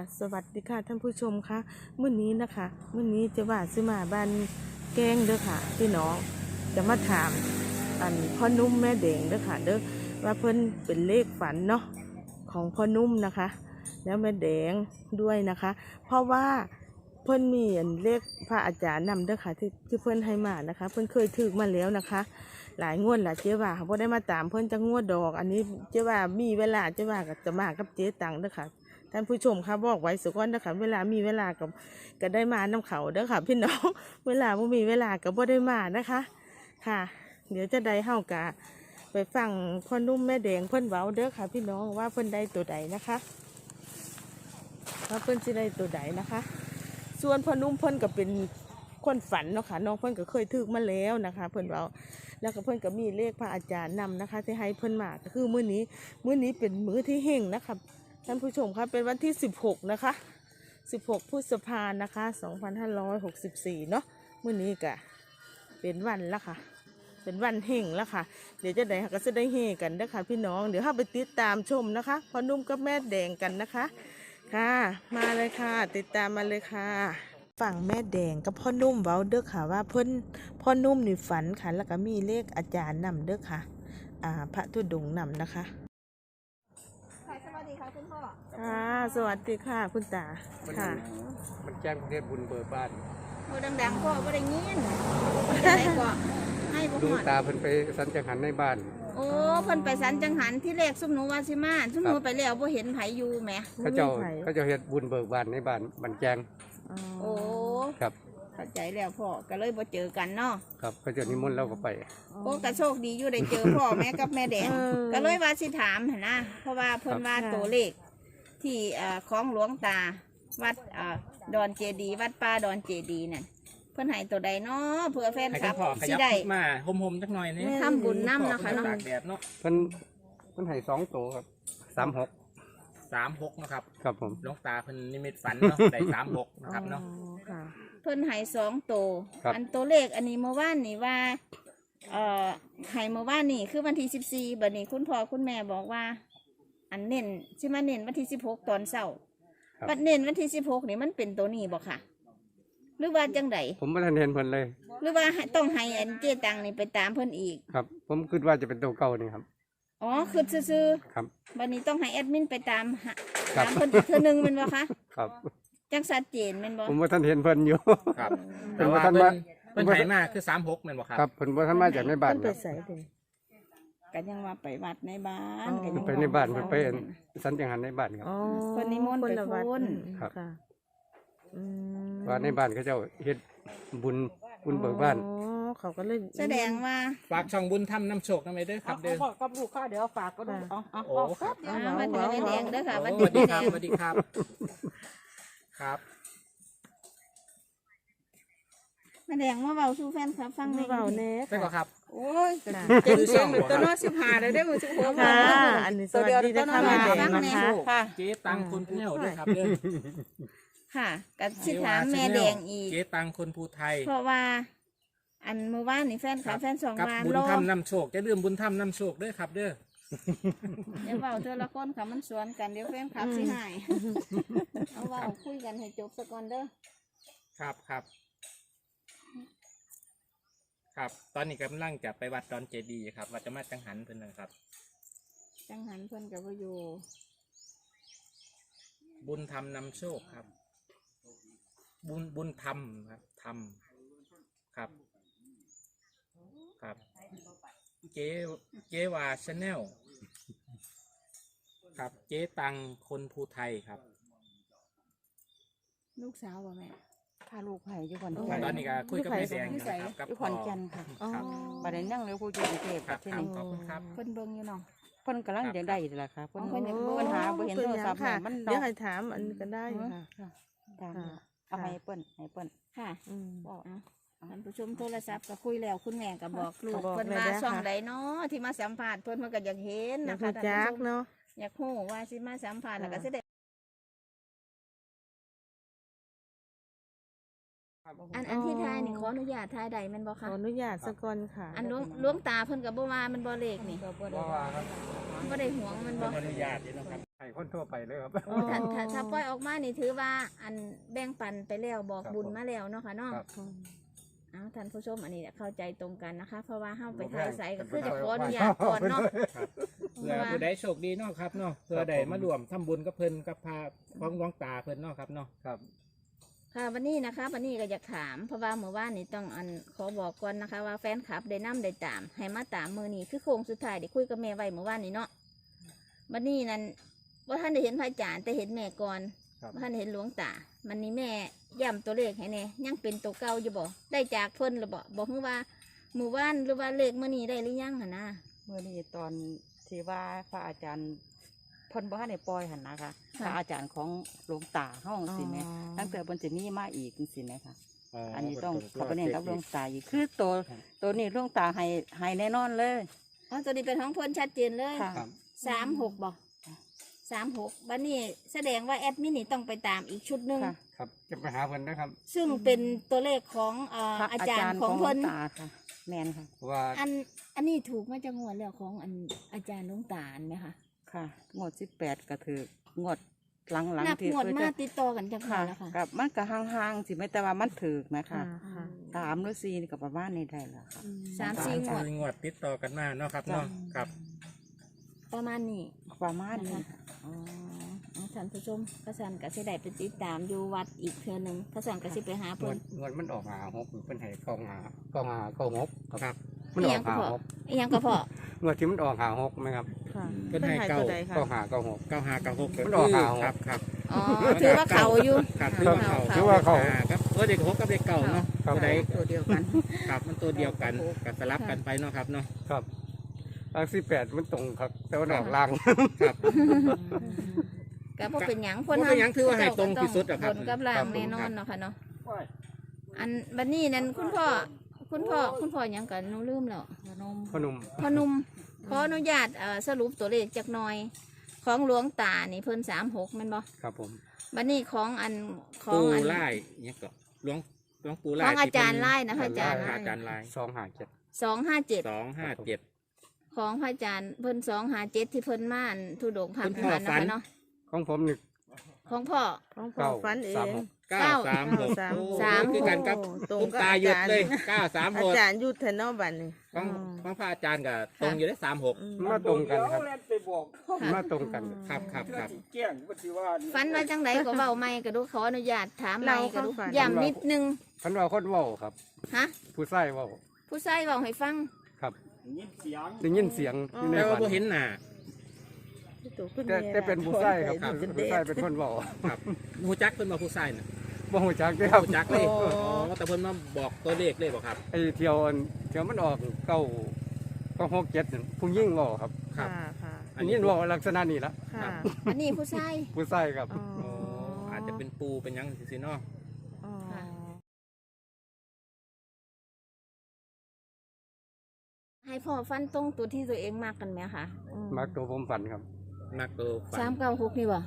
สวัสดีค่ะท่านผู้ชมคะมื้อนี้นะคะมื้อนี้จะว่าซื้อมาบ้านแกงเด้อค่ะพี่น้องจะมาถามพ่อนุ่มแม่แดงเด้อค่ะเด้อว่าเพิ่นเป็นเลขฝันเนาะของพ่อนุ่มนะคะ แล้วแม่แดงด้วยนะคะ เพราะว่าเพิ่นมีเลขพระอาจารย์นำเด้อค่ะที่เพิ่นให้มานะคะ เพิ่นเคยถือมาแล้วนะคะ หลายงวดหลายเจ๊ว่าเขาได้มาตามเพิ่นจะงวดดอก อันนี้เจ๊ว่ามีเวลาเจ๊ว่าจะมากับเจ๊ตังเด้อค่ะท่านผู้ชมคะบอกไว้สักวันเด้อค่ะเวลามีเวลาก็ได้มาน้ำเขาเด้อค่ะพี่น้องเวลาไม่มีเวลาก็บ่ได้มานะคะค่ะ เดี๋ยวจะได้เฮากะไปฟังพ่อนุ่มแม่แดงเพิ่นเว้าเด้อค่ะพี่น้องว่าเพิ่นได้ตัวใดนะคะว่าเพิ่นสิได้ตัวใดนะคะ ส่วนพ่อนุ่มเพิ่นก็เป็นคนฝันเนาะค่ะน้องเพิ่นก็เคยถึกมาแล้วนะคะเพิ่นเว้าแล้วก็เพิ่นก็มีเลขพระอาจารย์นำนะคะที่ให้เพิ่นมาก็คือมื้อนี้เป็นมื้อที่เฮงนะคะท่านผู้ชมครับเป็นวันที่16นะคะ16พฤษภาคมนะคะ2564เนาะมื้อนี้ก็เป็นวันละค่ะเป็นวันเฮงแล้วค่ะเดี๋ยวจะได้ก็จะได้เฮกันนะคะพี่น้องเดี๋ยวเข้าไปติดตามชมนะคะพ่อนุ่มกับแม่แดงกันนะคะค่ะมาเลยค่ะติดตามมาเลยค่ะฝั่งแม่แดงกับพ่อนุ่มเว้าเด้อค่ะว่าพ่อนุ่มนี่ฝันค่ะแล้วก็มีเลขอาจารย์นำเด้อค่ะพระธุดงค์นำนะคะสวัสดีค่ะคุณพ่อค่ะสวัสดีค่ะคุณตาค่ะมันแจ้งประเทศบุญเบิกบ้านโอ้ดังๆพ่อบ่ได้ยินจะได้ก็ให้บ่ดูฮอดตาเพิ่นไปสันจังหันในบ้านโอ้เพิ่นไปสันจังหันที่แรกซุ่มหนูว่าสิมาซุ่มหนูไปแล้วบ่เห็นไผอยู่แหมเขาเจ้าเฮ็ดบุญเบิกบ้านในบ้านมันแจ้งโอ้ครับเข้าใจแล้วพ่อก็เลยบ่เจอกันเนาะครับเขาเจ้านิมนต์เราก็ไปโอ้ก็โชคดีอยู่ได้เจอพ่อแม่กับแม่แดงก็เลยว่าสิถามหั่นนะเพราะว่าเพิ่นว่าตัวเลขที่ของหลวงตาวัดดอนเจดีวัดป่าดอนเจดีนั่นเพิ่นให้ตัวใดเนาะเผื่อแฟนคลับสิได้มาหมๆจักหน่อยนี่ทำบุญน้ำนะคะเนาะตากแดดเนาะเพิ่นให้2ตัวครับ 36นะครับครับผมหลวงตาเพิ่นนิมิตฝันเนาะได้36นะครับเนาะเพิ่นให้2ตัวอันตัวเลขอันนี้เมื่อวานนี่ว่าให้เมื่อวานนี่คือวันที่14บัดนี้คุณพ่อคุณแม่บอกว่าอันเน้นสิมาเน้นวันที่16ตอนเช้าบัดเน้นวันที่16นี่มันเป็นตัวนี้บ่ค่ะหรือว่าจังไดผมบ่ทันเห็นเพิ่นเลยหรือว่าต้องให้อันเจตังนี่ไปตามเพิ่นอีกครับผมคิดว่าจะเป็นตัวเก่านี่ครับอ๋อคือซื่อครับบัดนี้ต้องให้แอดมินไปตามเพิ่นอีกเทื่อนึงแม่นบ่คะครับจังชัดเจนแม่นบ่ผมบ่ทันเห็นเพิ่นอยู่ครับแต่ว่าเพิ่นให้มาคือ36แม่นบ่ครับครับเพิ่นบ่ทันมาจากในบ้านเพิ่นไปไสเด้ก็ยังว่าไปวัดในบ้านก็ยังไปในบ้านเพิ่นไปสันจังหันในบ้านครับเพิ่นนิมนต์ไปพูนครับว่าในบ้านเขาเจ้าเฮ็ดบุญเบิกบ้านเขาก็เลยแสดงว่าฝากช่องบุญทำน้ำโชคนำไปเด้อครับเด้อกับลูกค้าเดี๋ยวฝากก็ได้โอ้ครับวันนี้แดงเด้อค่ะวันนี้แดงสวัสดีครับครับแม่แดงมาเบาสู่แฟนครับฟังในเบาแน่ได้ก็ครับโอ้ยเจ็ดสองตัวน้อย15ได้มื้อ16 ค่ะอันนี้สวัสดีนะคะแม่แดงนะคะค่ะเจ๊ตังคนผู้เฒ่าด้วยครับเด้อค่ะกับสิถามแม่แดงอีกเจ๊ตังคนผู้ไทยเพราะว่าอันเมื่อวานนี่แฟนสองกับวานบุญทำน้ำโชคจะลืมบุญทำน้ำโชคด้วยครับเด้อเดี๋ยวเบาเธอละคนค่ะมันสวนกันเดี๋ยวแฟนคลับสิหายเอาเบาคุยกันให้จบสักก่อนเด้อครับตอนนี้กำลังจะไปวัดดอนเจดีย์ครับวัดจะมาจังหันเพิ่นนะครับจังหันเพิ่นกับว่าอยู่บุญธรรมนำโชคครับบุญธรรมครับธรรมครับเจวาชาแนลครับเจ๊ตังคนภูไทยครับลูกสาวบ่แม่พาลูกไผ่อยู่ขอนแก่นตอนนี้ก็คุยกับแม่แดงกับขอนแก่นค่ะประเด็นนั่งเร็วคุยอยู่กรุงเทพครับที่นี่ขอบคุณครับเพิ่นเบิ่งอยู่เนาะเพิ่นกำลังจะได้แหละค่ะเพิ่นปัญหาบ่เห็นโทรศัพท์มันเดี๋ยวให้ถามอันก็ได้ค่ะเอาให้เปิ้นค่ะบอกท่านผู้ชมโทรศัพท์ก็คุยแล้วคุณแม่ก็บอกลูกเพิ่นว่าช่องใดเนาะที่มาสัมภาษณ์เพิ่นก็อยากเห็นนะคะท่านผู้ชมอยากฮู้ว่าสิมาสัมภาษณ์แล้วก็สิได้อันที่ทายนี่ขออนุญาตทายใดแม่นบ่คะขออนุญาตสักก่อนค่ะอันหลวงตาเพิ่นก็บ่ว่ามันบ่เลขนี่บ่ว่าครับบ่ได้หวงมันบ่อนุญาตนี่เนาะครับให้คนทั่วไปเลยครับอ๋อถ้าปล่อยออกมานี่ถือว่าอันแบ่งปันไปแล้วบอกครับบุญมาแล้วเนาะค่ะเนาะครับเอาท่านผู้ชมอันนี้เนี่ยเข้าใจตรงกันนะคะ เพราะว่าเฮาไปบ่แพถ่ายงใสก็เป็นคือจะไปขออนุได้ญาตก่อนเนาะเพื่อผู้ใดโชคดีเนาะครับเนาะเพื่อใดมารวมทำบุญกับเพิ่นกับพาของหลวงตาเพิ่นเนาะครับเนาะครับค่ะวันนี้นะคะวันนี้ก็อยากถามเพราะว่าเมื่อวานนี้ต้องขอบอกก่อนนะคะ ว่าแฟนคลับได้นำได้ตามให้มาตามมือนี้คือโค้งสุดท้ายได้คุยกับแม่ไว้เมื่อวานนี้เนาะวันนี้นั้นว่าท่านได้เห็นพระอาจารย์แต่เห็นแม่ก่อนครับว่าท่านได้เห็นหลวงตามันนี้แม่ย้ำตัวเลขให้แน่ยังเป็นตัวเก่าอยู่บ่ได้จากเพิ่นหรือบ่บอกว่าเมื่อวานหรือว่าเลขมื้อนี้ได้หรือยังหั่นนะเมื่อนี้ตอนที่ว่าพระอาจารย์เพิ่นบ่ทันได้ปล่อยหั่นนะคะพระอาจารย์ของหลวงตาเฮาจังซี่แหมตั้งแต่เพิ่นสิมีมาอีกจังซี่แหมค่ะ อันนี้ต้องเขอไปเรียนกับหลวงตาอีกคือตัวนี้หลวงตาให้แน่นอนเลยอ๋อตัวนี้เป็นของเพิ่นชัดเจนเลยค่ะครับ 36บ่36บัดนี้แสดงว่าแอดมินนี่ต้องไปตามอีกชุดหนึงค่ะครับจะไปหาเพิ่นนะครับซึ่งเป็นตัวเลขของพระอาจารย์ของหลวเพิ่นงตาค่ะแม่นค่ะเพราะว่าอันนี้ถูกมาจากงวดแล้วของอาจารย์หลวงตาไหมคะค่ะงวด18ก็ถืองวดหลังนับๆที่งวดเพิ่นมาจะติดต่อกันจังค่ะแล้วค่ะกับมันก็ห่างๆสิไม่แต่ว่ามันถือนะคะค่ะ 3หรือ4นี่ก็ประมาณนี้ได้แล้วค่ะสามสี่งวดงวดติดต่อกันมาเนาะครับเนาะครับประมาณนี้ประมาณนี้นะคะค่ะอ๋อท่านผู้ชมกระสันกระสิได้ไปติดตามอยู่วัดอีกเทือหนึ่งกระสันกระสิไปหาง เพิ่วน ดงวดมันออก56เพิ่นให้เข้าหกมันออก56 อีหยังก็พองวดที่มันออก56ไหมครับค่ะเพิ่นให้เก้าตัวใดคะเข้า96 9596 มันออก5 ครับครับอ๋อถือว่าเขาอยู่ครับถือว่าเขาถือว่าเขาครับเด็กหกกับเด็กเก่าเนาะครับผู้ใดตัวเดียวกันครับมันตัวเดียวกันก็สลับกันไปเนาะครับเนาะครับทาง18มันตรงครับ แต่ว่าออกล่างครับก็บ่เป็นหยังบ่เป็นหยังถือว่าให้ตรงที่สุดอะครับบนกับล่างแน่นอนเนาะค่ะเนาะอันบัดนี้นั้นคุณพ่อหยังกันหนูลืมแล้วพนมพอหนุ่มขออนุญาตสรุปตัวเลขจักหน่อย ของหลวงตานี่เพิ่น36แม่นบ่ครับผมบัดนี้ของของปูอันไล่เนี่ยก็หลวงปูไล่ของอาจารย์ไล่นะพระอาจารย์อาจารย์ไล่ 257 257 257 ของพระอาจารย์เพิ่น257ที่เพิ่นมาอันทุดงค์ผ่านคุณพ่อผ่านฝันะคะนเนาะของผมนี่ของพ่อของพ่อฝันเอง 936 936โอ้สามคือกันครับตรงคุณกับตาหยุดเลยอา 936 จารย์ยุทธเนาะบัดนี้ของพระอาจารย์กับตรงอยู่ได้36 มาตรงกันครับค่ะมาตรงกันครับครับครับฝันว่าจังไดก็เว้าไม่ก็ดูขออนุญาตถามไม่เล่าก็ดูความฝันย้ำนิดนึงพันว่าคนเว้าครับฮะผู้ใส่เว้าผู้ชายเว้าให้ฟังครับได้ยินเสียงอยู่ในแต่ว่าฝันบ่เห็นหน้าแต่เป็นผู้ใส่ครับผู้ใส่เป็นคนเว้าครับหูจักเพิ่นมาผู้ชายน่ะบ่ฮู้จักเด้อครับหูจักเลยอ๋อแต่เพิ่นมาบอกตัวเลขเลยบ่ครับไอ้เที่ยวมันออก967นั่นผู้หญิงเว้าครับค่ะค่ะอันนี้เว้าลักษณะนี้ละค่ะอันนี้ผู้ชายผู้ใส่ครับอ๋ออ๋ออาจจะเป็นปูเป็นหยังสิเนาะอ๋อค่ะ ให้พ่อฟันตรงตัวที่ตัวเองมากกันไหมคะมักตัวผมฝันครับนักตัวฝัน 396นี่บ่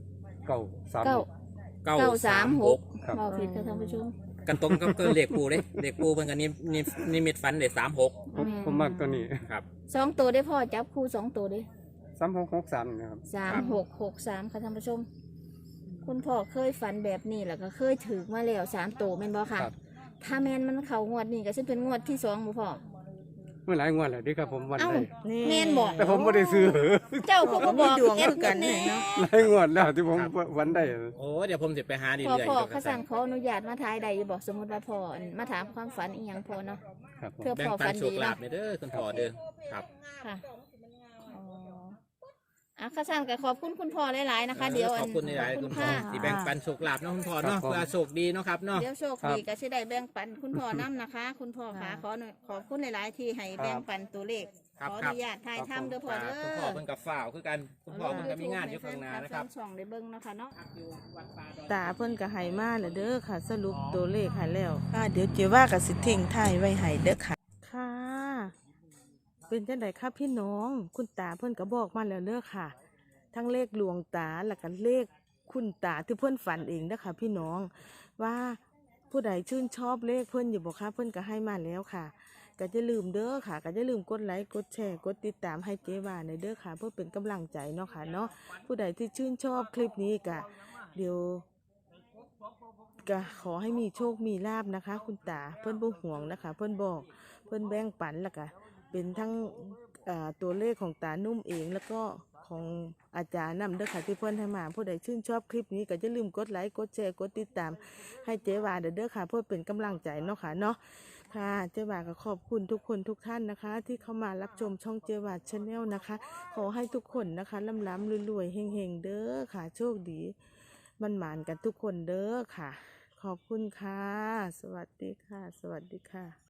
936 936 ครับบ่ผิดค่ะท่านผู้ชมกันตรงกับตัวเลขปูเด้เลขปูเพิ่นก็นิมิตฝันได้36 ผมมักตัวนี้ครับ 2ตัวได้พ่อจับคู่2ตัวเด้ 3663นะครับ 3663ค่ะท่านผู้ชม คุณพ่อเคยฝันแบบนี้แล้วก็เคยถือมาแล้ว3ตัวแม่นบ่ค่ะครับถ้าแม่นมันเข้างวดนี้ก็สิเป็นงวดที่2บ่พ่อเมื่อหลายงวดแล้วที่ครับผมวันเอ้าได้แม่นบอกแต่ผมไม่ได้ซื้อเจ้าก็บ่บอกดวงเอ็คือกันนี่เนาะหลายงวดแล้วที่ผมวันได้โอ้เดี๋ยวผมสิไปหาดีพ่อเรื่อยพ่อๆเขาสั่งขออนุญาตมาทายใดอยู่บอกสมมติว่าพ่อมาถามความฝันอีหยังพ่อเนาะครับผมเพื่อแบ่งพ่อปัฝันนโชดีคลาเนาะภเนี่ยเด้อคุณพ่อเด้อครับค่ะข้าสั่งก็ขอบคุณคุณพ่อหลายๆนะคะ เดี๋ยวขอบคุณหลายๆคุณพ่อค่ะที่แบ่งปันโชคลาภเนาะคุณพ่อเนาะเพื่อโชคดีเนาะครับเนาะเดี๋ยวโชคดีก็สิได้แบ่งปันคุณพ่อน้ำนะคะ คุณพ่อค่ะขอบคุณหลายๆที่ให้แบ่งปันตัวเลขครับขออครับนุญาตถ่ายทำเด้อพ่อเด้อคุณพ่อเพิ่นกับฝ่าวคือกันคุณพ่อเพิ่นก็มีงานอยู่ข้างหน้านะครับช่องได้เบิ่งนะคะเนาะตาเพิ่นก็ให้มาแล้วเด้อค่ะ สรุปตัวเลขให้แล้วเดี๋ยวเจว่าก็สิทิ้งท้ายไว้ให้เด้อค่ะ ค่ะ เป็นจังไดครับพี่น้อง คุณตาเพิ่นก็บอกมาแล้วเด้อค่ะ ทั้งเลขหลวงตาแล้วก็เลขคุณตาที่เพิ่นฝันเองเด้อค่ะพี่น้องว่าผู้ใดชื่นชอบเลขเพิ่นอยู่บ่คะเพิ่นก็ให้มาแล้วค่ะก็จะลืมเด้อค่ะก็จะลืมกดไลค์กดแชร์กดติดตามให้เจ๊ว่าในเด้อค่ะเพื่อเป็นกำลังใจเนาะค่ะเนาะผู้ใดที่ชื่นชอบคลิปนี้ก็เดี๋ยวก็ขอให้มีโชคมีลาภนะคะ คุณตาเพิ่นบ่ห่วงนะคะ เพิ่นบอกเพิ่นแบ่งปันแล้วก็เป็นทั้งตัวเลขของตานุ่มเองแล้วก็ของอาจารย์นำเด้อค่ะที่เพิ่นให้มาผู้ใดชื่นชอบคลิปนี้ก็อย่าลืมกดไลค์กดแชร์กดติดตามให้เจ๊ว่าเด้อค่ะเพื่อเป็นกำลังใจเนาะค่ะเนาะค่ะเจ๊ว่าก็ขอบคุณทุกคนทุกท่านนะคะ ที่เข้ามารับชมช่องเจ๊ว่าชาแนลนะคะ ขอให้ทุกคนนะคะร่ำๆรวยๆเฮงๆเด้อค่ะโชคดีมันหมานกันทุกคนเด้อค่ะขอบคุณค่ะสวัสดีค่ะสวัสดีค่ะ